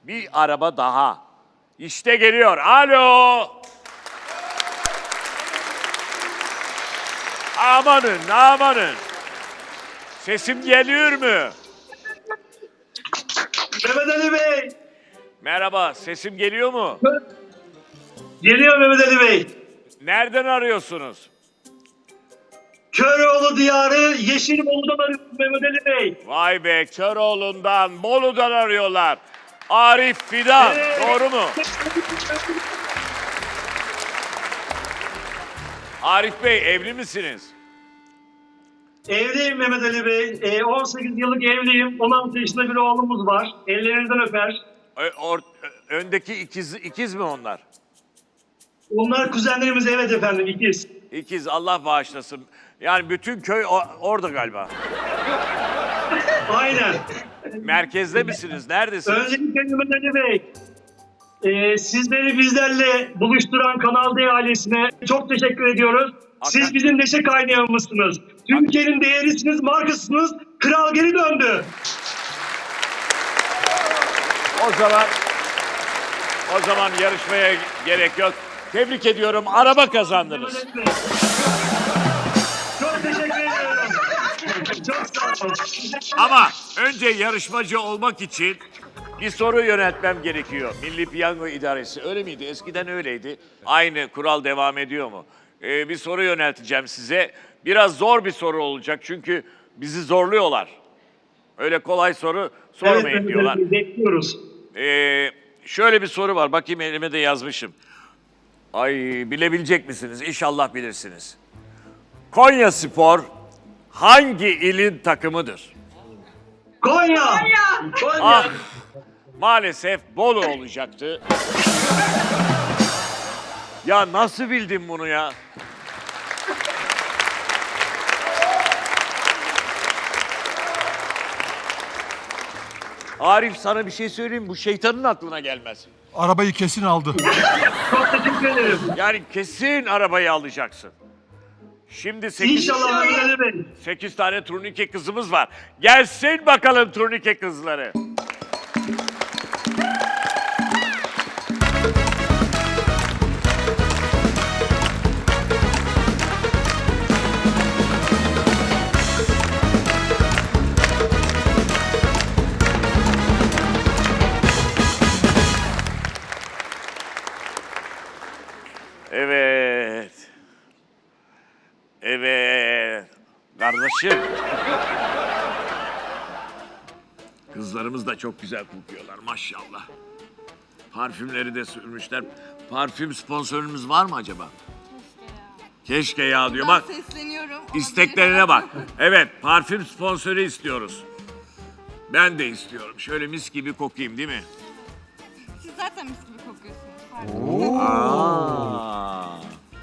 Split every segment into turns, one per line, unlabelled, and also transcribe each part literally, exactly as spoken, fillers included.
Bir araba daha. İşte geliyor. Alo. Amanın, amanın. Sesim geliyor mu?
Mehmet Ali Bey.
Merhaba, sesim geliyor mu?
Geliyor Mehmet Ali Bey.
Nereden arıyorsunuz?
Köroğlu diyarı Yeşilbolu'dan arıyorum Mehmet Ali Bey.
Vay be, Köroğlu'ndan, Bolu'dan arıyorlar. Arif Fidan,
Evet.
doğru mu? Arif Bey, evli misiniz?
Evliyim Mehmet Ali Bey. Ee, on sekiz yıllık evliyim. on altı yaşında bir oğlumuz var. Ellerinden öper.
Ö- or- ö- öndeki ikiz, ikiz mi onlar?
Onlar kuzenlerimiz, evet efendim, ikiz.
İkiz, Allah bağışlasın. Yani bütün köy o- orada galiba.
Aynen.
Merkezde misiniz? Neredesiniz?
Öncelikle Mehmet Ali Bey, e, sizleri bizlerle buluşturan Kanal D ailesine çok teşekkür ediyoruz. Siz bizim neşe kaynağımızsınız. Türkiye'nin değerisiniz, markasınız. Kral geri döndü.
O zaman o zaman yarışmaya gerek yok. Tebrik ediyorum. Araba kazandınız.
Mehmet Ali Bey. Çok teşekkür ediyorum. Çok sağ olun.
Ama önce yarışmacı olmak için bir soru yöneltmem gerekiyor. Milli Piyango İdaresi öyle miydi? Eskiden öyleydi. Aynı kural devam ediyor mu? Ee, bir soru yönelteceğim size. Biraz zor bir soru olacak çünkü bizi zorluyorlar. Öyle kolay soru
Evet,
sormayın
Mehmet Ali
diyorlar.
Bey, bekliyoruz.
Ee, şöyle bir soru var. Bakayım elime de yazmışım. Ay bilebilecek misiniz? İnşallah bilirsiniz. Konya Spor hangi ilin takımıdır?
Konya. Konya.
Ah, maalesef Bolu olacaktı. Ya nasıl bildin bunu ya? Arif sana bir şey söyleyeyim, bu şeytanın aklına gelmez.
Arabayı kesin aldı.
Çok teşekkür ederim.
Yani kesin arabayı alacaksın. Şimdi sekiz,
İnşallah Mehmet Ali Bey.
sekiz tane turnike kızımız var. Gelsin bakalım turnike kızları. Evet. Evet. Kardeşim. Kızlarımız da çok güzel kokuyorlar maşallah. Parfümleri de sürmüşler. Parfüm sponsorumuz var mı acaba? Keşke ya diyor. Bak
Ben sesleniyorum. ama
isteklerine bak. Evet parfüm sponsoru istiyoruz. Ben de istiyorum. Şöyle mis gibi kokayım değil mi?
Siz zaten mis gibi kokuyorsunuz. Pardon.
Aa.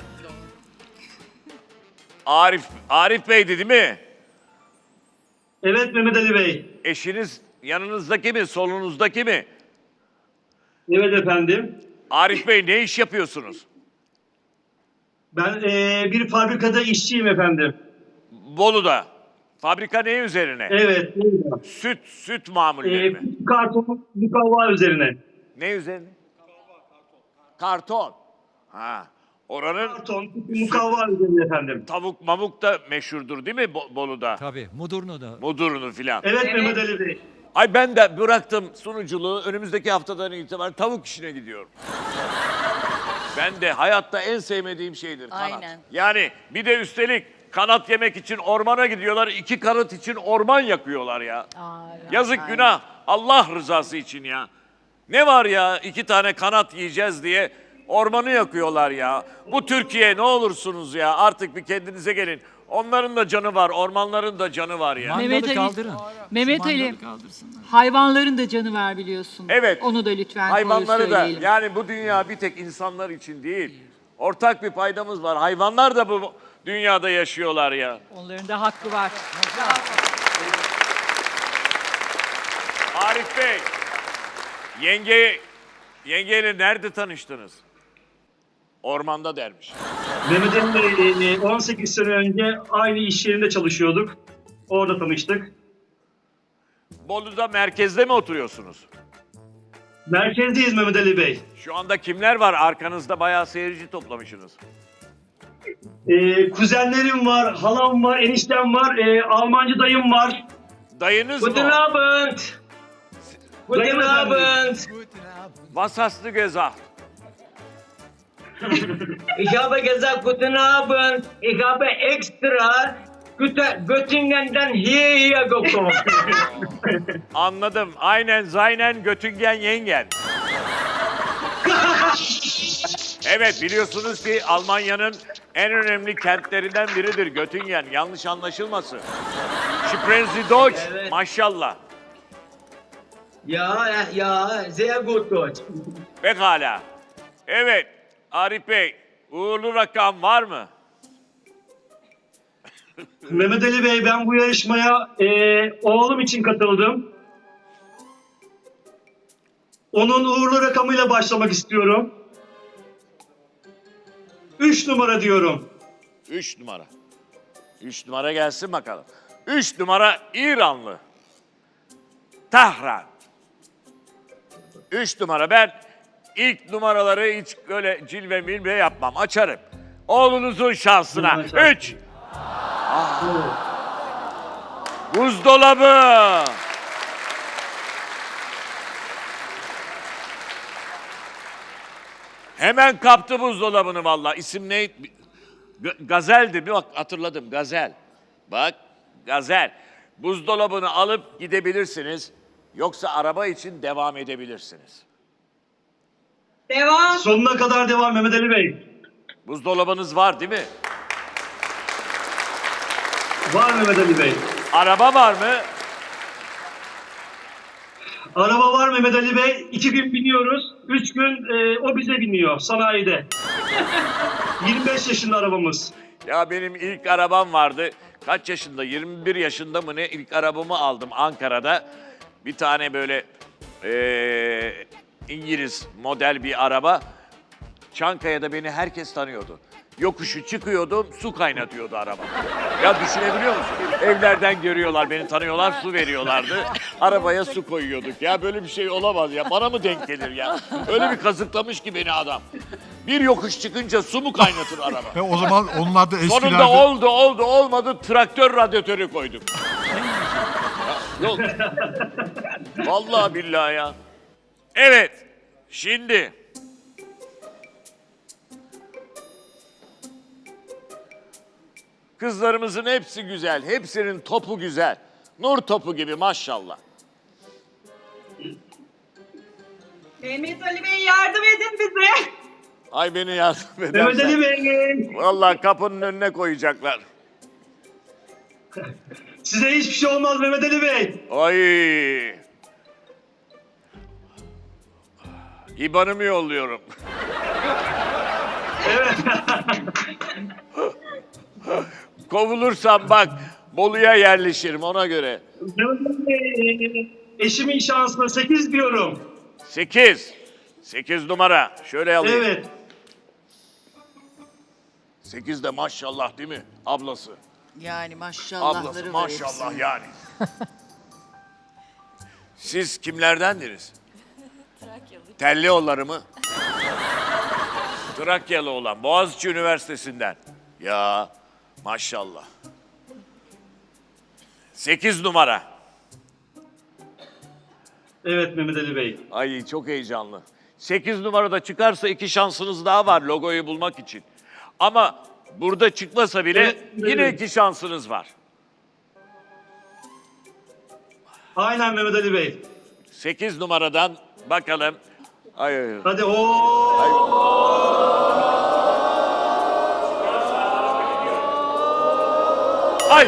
Arif, Arif Bey'di değil mi?
Evet Mehmet Ali Bey.
Eşiniz yanınızdaki mi, solunuzdaki mi?
Evet efendim.
Arif Bey ne iş yapıyorsunuz?
Ben eee, bir fabrikada işçiyim efendim.
Bolu'da. Fabrika ne üzerine?
Evet. buyurun.
Süt, süt mamulleri
Eee,
mi?
karton mukavva üzerine.
Ne üzerine? Karton. Ha. Oranın
Karton mukavva üzerine efendim.
tavuk mamuk da meşhurdur değil mi Bo- Bolu'da?
Tabii, Mudurnu'da.
Mudurnu filan.
Evet, Mehmet Ali Bey.
Ay ben de bıraktım sunuculuğu. Önümüzdeki haftadan itibaren tavuk işine gidiyorum. Ben de hayatta en sevmediğim şeydir kanat.
Aynen.
Yani bir de üstelik kanat yemek için ormana gidiyorlar. İki kanat için orman yakıyorlar ya.
Aynen,
Yazık
aynen.
günah. Allah rızası için ya. Ne var ya iki tane kanat yiyeceğiz diye ormanı yakıyorlar ya. Bu Türkiye ne olursunuz ya artık bir kendinize gelin. Onların da canı var, ormanların da canı var ya.
Mangalı
Mehmet Ali-
kaldırın.
Mehmet
Mangalı
Ali,
kaldırsınlar.
hayvanların da canı var biliyorsun.
Evet.
Onu da lütfen
Hayvanları da
söyleyelim.
yani bu dünya bir tek insanlar için değil. Ortak bir paydamız var. Hayvanlar da bu dünyada yaşıyorlar ya.
Onların da hakkı var.
Arif Bey, yenge, yengeyle nerede tanıştınız? Ormanda dermiş.
Mehmet Ali Bey, eee, on sekiz sene önce aynı iş yerinde çalışıyorduk. Orada tanıştık.
Bolu'da merkezde mi oturuyorsunuz?
Merkezdeyiz Mehmet Ali Bey.
Şu anda kimler var? Arkanızda bayağı seyirci toplamışsınız.
Ee, kuzenlerim var, halam var, eniştem var, e, Almancı dayım var.
Dayınız mı?
Guten
o?
Abend. Guten
Dayım efendim.
Abend.
Was hast du gesagt?
Ich habe gesagt, guten Abend. Ich habe extra Göte- Göttingen'den hierher gekommen.
Anladım. Aynen, zaynen, götüngen, yengen. Evet, biliyorsunuz ki Almanya'nın en önemli kentlerinden biridir Göttingen. Yanlış anlaşılmasın. Sprechen Sie Deutsch?
Evet.
Maşallah.
Ja, ja, sehr gut Deutsch.
Pekala. Evet, Arif Bey, uğurlu rakam var mı?
Mehmet Ali Bey, ben bu yarışmaya e, oğlum için katıldım. Onun uğurlu rakamıyla başlamak istiyorum. Üç numara diyorum.
Üç numara. Üç numara gelsin bakalım. Üç numara İranlı. Tahran. Üç numara. Ben ilk numaraları hiç böyle cilve milve yapmam. Açarım. Oğlunuzun şansına.
Açarım.
Üç. Ah. Buzdolabı. Hemen kaptı buzdolabını vallahi. İsim ne? G- Gazel'di. Bir bak hatırladım. Gazel. Bak Gazel. Buzdolabını alıp gidebilirsiniz. Yoksa araba için devam edebilirsiniz.
Devam.
Sonuna kadar devam Mehmet Ali Bey.
Buzdolabınız var değil mi?
Var Mehmet Ali Bey.
Araba var mı?
Araba var Mehmet Ali Bey. İki gün biniyoruz. Üç gün e, o bize biniyor sanayide. yirmi beş yaşında arabamız.
Ya benim ilk arabam vardı. Kaç yaşında? yirmi bir yaşında mı ne? İlk arabamı aldım Ankara'da. Bir tane böyle eee, İngiliz model bir araba. Çankaya'da beni herkes tanıyordu. Yokuşu çıkıyordum, su kaynatıyordu araba. Ya düşünebiliyor musun? Evlerden görüyorlar, beni tanıyorlar, su veriyorlardı. Arabaya su koyuyorduk. Ya böyle bir şey olamaz ya. Bana mı denk gelir ya? Öyle bir kazıklamış ki beni adam. Bir yokuş çıkınca su mu kaynatır araba?
E o zaman onlar da eskilerde...
Sonunda oldu, oldu, olmadı. Traktör radyatörü koyduk. Ya, yok. Vallahi billahi ya. Evet, şimdi... Kızlarımızın hepsi güzel, hepsinin topu güzel. Nur topu gibi maşallah.
Mehmet Ali Bey yardım edin bize.
Ay beni yardım
Mehmet Ali
edersen.
Bey.
Vallahi kapının önüne koyacaklar.
Size hiçbir şey olmaz Mehmet Ali Bey.
Ay. İban'ımı yolluyorum.
Evet.
Kovulursam bak Bolu'ya yerleşirim ona göre.
Mehmet Ali Bey, e, eşimin şansına sekiz diyorum.
Sekiz. Sekiz numara. Şöyle alayım.
Evet.
Sekiz de maşallah değil mi ablası?
Yani maşallahları
Ablası
var
maşallah
hepsinin.
yani. Siz kimlerdendiniz?
Trakyalı.
Tellioğulları mı? Trakyalı olan Boğaziçi Üniversitesi'nden. Ya maşallah. Sekiz numara.
Evet Mehmet Ali Bey.
Ay çok heyecanlı. Sekiz numarada çıkarsa iki şansınız daha var logoyu bulmak için. Ama burada çıkmasa bile
Evet,
yine
evet.
iki şansınız var.
Aynen Mehmet Ali Bey.
Sekiz numaradan bakalım. Ay, ay, ay.
Hadi o.
Ay!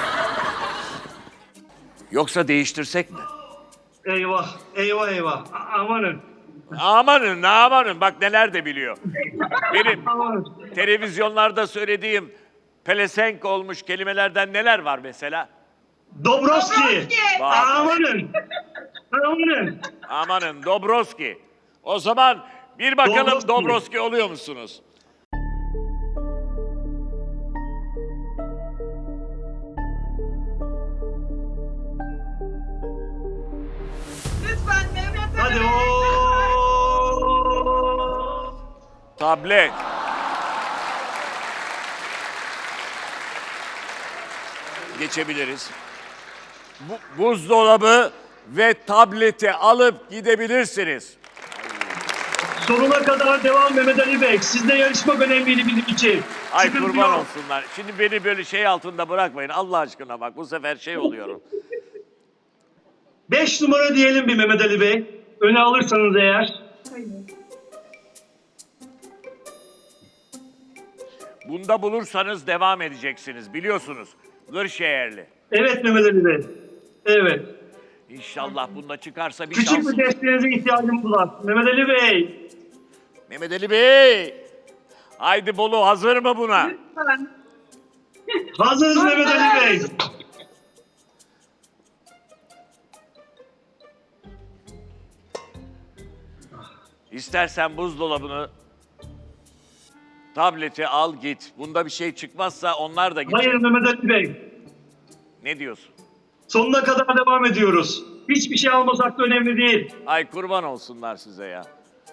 Yoksa değiştirsek mi?
Eyvah. Eyvah eyvah. A- amanın.
Amanın, amanın. Bak neler de biliyor. Benim
Amanın.
televizyonlarda söylediğim pelesenk olmuş kelimelerden neler var mesela?
Dobrovski.
Bak.
Amanın. Amanın.
Amanın, Dobroski. O zaman bir bakalım
Dobroski.
Dobroski oluyor musunuz?
Lütfen Mehmet Ali
Hadi
Bey.
o.
Tablet. Geçebiliriz. Bu, buzdolabı ve tableti alıp gidebilirsiniz.
Sonuna kadar devam Mehmet Ali Bey. Sizle yarışmak önemliydi bizim için.
Ay
Sıkıntı
kurban
yok.
olsunlar. Şimdi beni böyle şey altında bırakmayın Allah aşkına bak bu sefer şey oluyorum.
Beş numara diyelim bir Mehmet Ali Bey. Öne alırsanız eğer.
Bunda bulursanız devam edeceksiniz biliyorsunuz. Kırşehirli.
Evet Mehmet Ali Bey. Evet.
İnşallah bunda çıkarsa bir
Küçük
şans.
bir desteğinize ihtiyacımız var. Mehmet Ali Bey.
Mehmet Ali Bey. Haydi Bolu hazır mı buna?
Hazırız Mehmet Ali Bey.
İstersen buzdolabını, tableti al git. Bunda bir şey çıkmazsa onlar da gidecek.
Hayır Mehmet Ali Bey.
Ne diyorsun?
Sonuna kadar devam ediyoruz. Hiçbir şey almasak da önemli değil.
Ay kurban olsunlar size ya.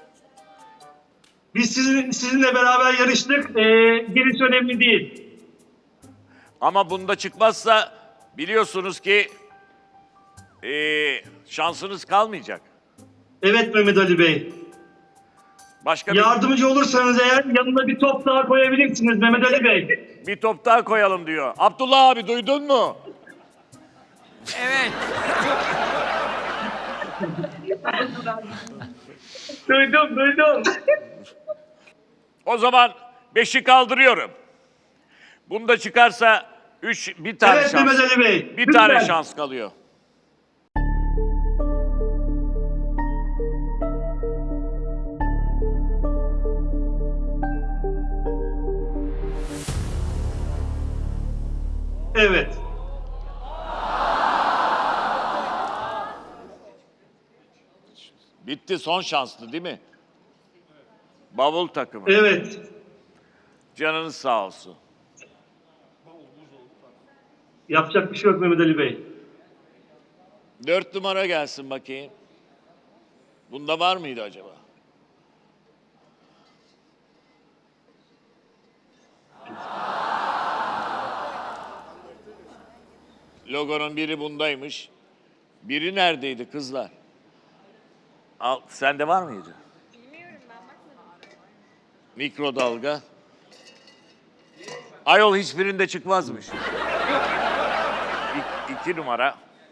Biz sizin, sizinle beraber yarıştık. Ee, gerisi önemli değil.
Ama bunda çıkmazsa biliyorsunuz ki eee, şansınız kalmayacak.
Evet Mehmet Ali Bey.
Başka bir,
Yardımcı olursanız eğer yanına bir top daha koyabilirsiniz Mehmet Ali Bey.
bir top daha koyalım diyor. Abdullah abi duydun mu?
Duydum duydum.
O zaman beşi kaldırıyorum. Bunda çıkarsa üç, bir tane
Evet
şans.
Mehmet Ali Bey.
Bir
lütfen.
tane şans kalıyor.
Evet.
Bitti son şanslı değil mi? Bavul takımı.
Evet.
Canınız sağ olsun.
Yapacak bir şey yok Mehmet Ali Bey.
Dört numara gelsin bakayım. Bunda var mıydı acaba? Logonun biri bundaymış. Biri neredeydi kızlar? Al, sende var mıydı? Bilmiyorum ben bakmadım. Mikrodalga. Ayol hiçbirinde çıkmazmış. İ- iki numara.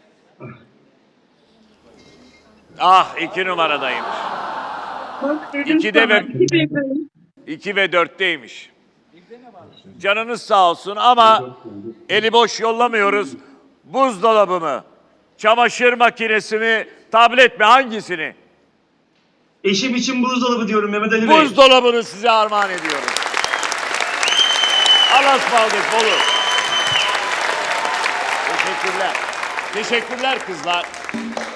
Ah iki numaradaymış. İkide ve iki ve dörtteymiş. Canınız sağ olsun ama eli boş yollamıyoruz. Buzdolabı mı? Çamaşır makinesi mi? Tablet mi? Hangisini?
Eşim için buzdolabı diyorum Mehmet Ali Bey.
Buzdolabını size armağan ediyoruz. Allah'a ısmarladık Bolu. Teşekkürler. Teşekkürler kızlar.